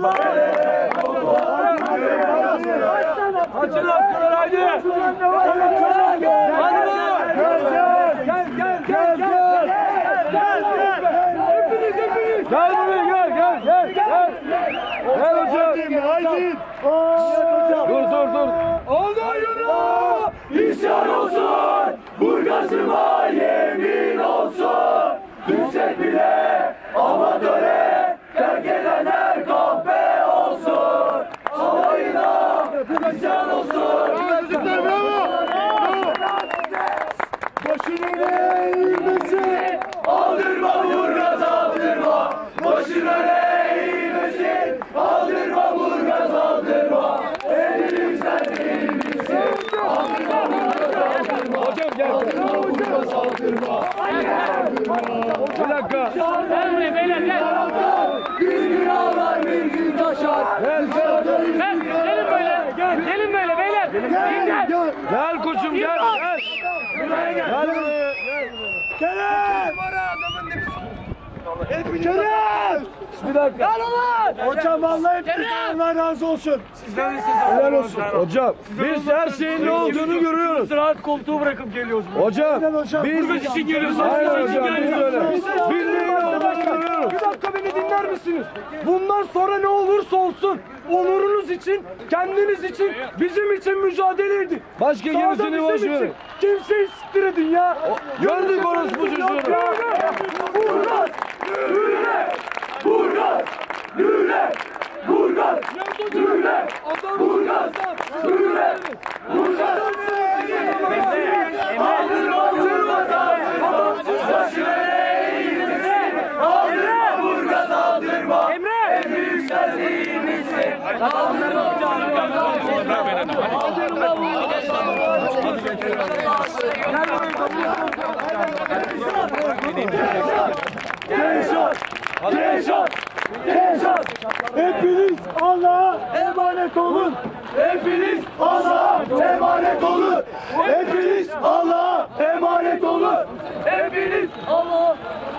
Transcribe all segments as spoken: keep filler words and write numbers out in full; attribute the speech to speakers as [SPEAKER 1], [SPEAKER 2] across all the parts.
[SPEAKER 1] Açın hakkılar haydi. Hadi bakalım. Gel gel gel gel. Gel gel. Hepiniz hepiniz. Gel buraya gel gel gel. Gel. Gel hocam. Haydi. Dur dur dur. Onayına isyan olsun. Burgazıma yemin olsun. Düşsek bile amatöre terk edenler kahpe olsun. Alayına isyan olsun.
[SPEAKER 2] Çocuklar bravo.
[SPEAKER 1] Başını eğilmesin. Aldırma Burgaz aldırma. Başını eğilmesin. Aldırma Burgaz aldırma. Elimizden değil misin? Aldırma Burgaz aldırma. Hocam gel. Aldırma Burgaz aldırma. Bir dakika.
[SPEAKER 3] Gel buraya beyler gel.
[SPEAKER 1] Bir gün ağlar bir gün taşar. Gel gel.
[SPEAKER 3] Gel gelin böyle. Gel gelin böyle beyler. Gel gel.
[SPEAKER 1] Gel koçum gel. Gel. Gel buraya. Gel. Kerem! Bir dakika.
[SPEAKER 3] Gel ulan.
[SPEAKER 1] Hocam vallahi hepinizden Allah razı olsun. Sizden de helal olsun. Hocam biz her şeyin ne olduğunu görüyoruz.
[SPEAKER 3] Rahat koltuğu bırakıp geliyoruz.
[SPEAKER 1] Hocam biz
[SPEAKER 3] Biz için geliyoruz.
[SPEAKER 1] Hayır
[SPEAKER 3] Biz için
[SPEAKER 1] hocam biz
[SPEAKER 3] geliyoruz.
[SPEAKER 1] öyle. Biz neyin olduğunu görüyoruz.
[SPEAKER 4] Bir dakika beni dinler misiniz? Bundan sonra ne olursa olsun onurunuz için, kendiniz için, bizim için mücadele edin.
[SPEAKER 1] Başka
[SPEAKER 4] Sağda
[SPEAKER 1] gerisini
[SPEAKER 4] bizim
[SPEAKER 1] boş
[SPEAKER 4] için.
[SPEAKER 1] verin.
[SPEAKER 4] Kimseyi siktir edin ya.
[SPEAKER 1] Gördük orospu çocuğunu.
[SPEAKER 4] Burgaz! Lüle! Burgaz! Lüle! Burgaz! Lüle! Burgaz! Lüle! Burgaz! Aldırma Burgaz! Adamsız başına eğilmesin! Aldırma Burgaz aldırma!
[SPEAKER 3] Emre!
[SPEAKER 4] En büyük sen değil misin? Aldırma Burgaz aldırma! Aldırma Burgaz aldırma! Gençler! Gençler! Gençler! Hepiniz Allah'a emanet olun! Hepiniz Allah'a emanet olun! Hepiniz Allah'a emanet olun! Hepiniz Allah'a...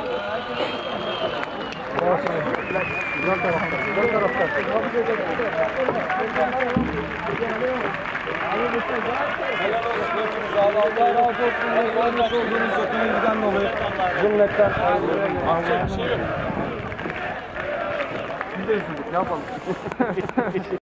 [SPEAKER 1] Allah razı olsun. Yazmış olduğunuz yakınından dolayı cümletten ayrılıyorum. Biz de üzüldük. Ne yapalım?